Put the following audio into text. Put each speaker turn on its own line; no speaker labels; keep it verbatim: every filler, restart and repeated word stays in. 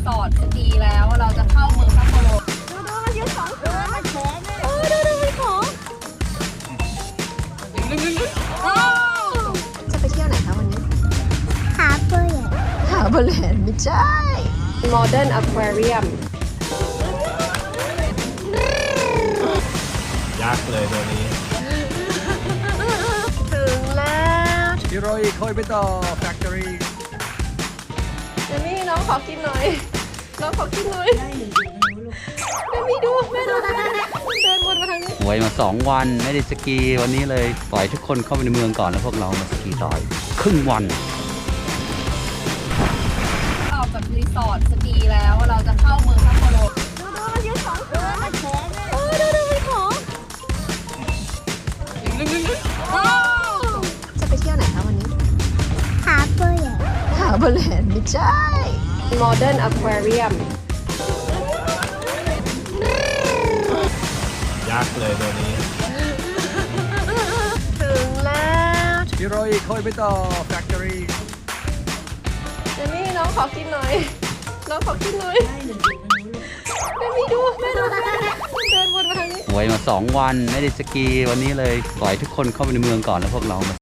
สอร์ทสกีแล้วเราจะเข้าเมืองซัปโปโร
ดูดูมันยืนสองตัวมันแข็งเลย
เออดูดูมันของจะไปเที่ยวไหนคะวันนี้
หาเปย์
หาบอลแลนด์ไม่ใช่ Modern Aquarium
ยักษ์เลยตัวนี้
ถึงแล้ว
ฮิโรอิโคยไปต่อแฟคทอรี่
เดมี่น้องขอกินหน่อยน้องขอกินหน่อยเดมี่ดูแม่ดูแม่เดินวนมาทางนี้
หวยมาสองวันไม่ได้สกีวันนี้เลยปล่อยทุกคนเข้าไปในเมืองก่อนแล้วพวกเรามาสกีต่อยครึ่งวัน
ออกจากรีสอร์ทสกีแล้วเราจะเข้าเมืองซัปโปโร
ดูดูมันยืนสองตัวมันแข็งเลย
เออดูดูมันของจะไปเที่ยวไหนคะวันนี้
หาเปย์
หาบอลแลนด์ไม่ใช่ Modern Aquarium
ยักษ์เลยตัวนี้
ถึงแล้ว
ฮิโรอิโคยไปต่อแฟคทอรี่
เดมี่น้องขอกินหน่อยน้องขอกินหน่อยเดมี่ดูแม่ดูแม่เดินวนมาทางนี้
หวยมาสองวันไม่ได้สกีวันนี้เลยปล่อยทุกคนเข้าไปในเมืองก่อนแล้วพวกเรามา